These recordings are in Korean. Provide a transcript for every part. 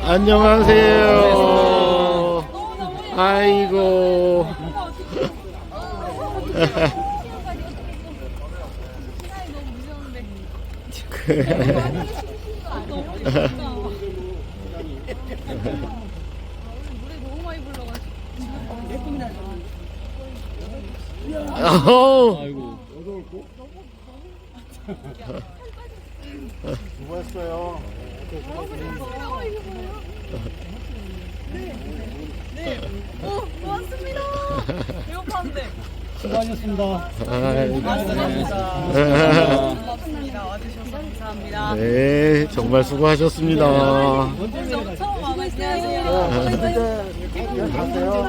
안녕하세요. 아이고. 아이고. 수고했어요. 네. 고맙습니다. 배고팠는데. 수고하셨습니다. 고맙습니다. 와주셔서 감사합니다. 네, 정말 수고하셨습니다. 처음 와봤어요. 갔어요?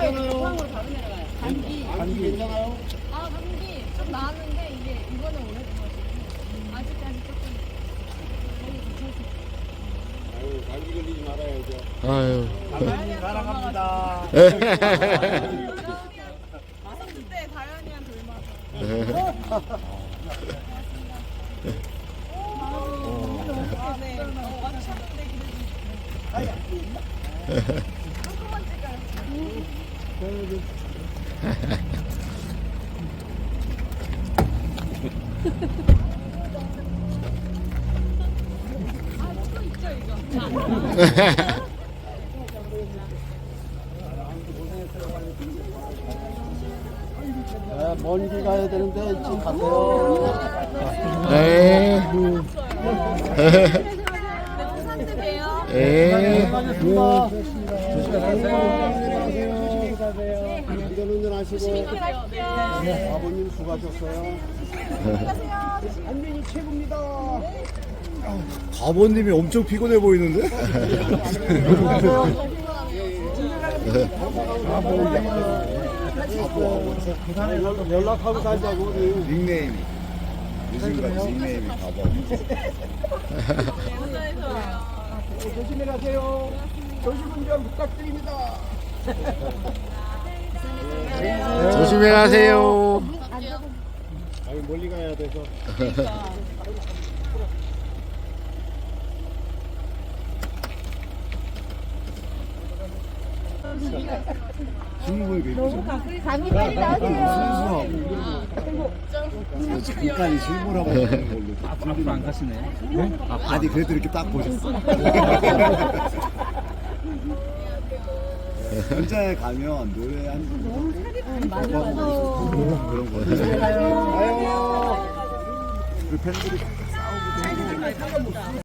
감기 좀 나았는데 이게 이번에 오래돼가지고 아직까지 조금 감기 걸리지 말아야죠. 아유. 감사합니다. 사랑합니다. 마성주 때 다현이한테 얼마나 네. 와주셨는데 조금만 찍어요. 또 있죠 이거. 먼 길 가야 되는데 지금 가세요. 네. 부산 때 봬요. 네. 수고하셨습니다. 조심히 가세요. 운전 하시고. 아버님 수고하셨어요. 안민이 최고입니다. 가버님이 엄청 피곤해 보이는데? 연락하고 살자고. 닉네임이. 요즘까지 닉네임이 가버. 조심히 가세요. 조심 운전 부탁드립니다. 조심히 가세요. 아유 멀리 가야 돼서. 실물 예쁘죠? 감기 빨리 나오세요. 순수하고 잠깐 실물하고 보는 걸로 앞으로 안 가시네. 아니 그래도 이렇게 딱 보셨어. 현장에 가면 노래 한 그런 거. 가요. 그 팬들이 싸우고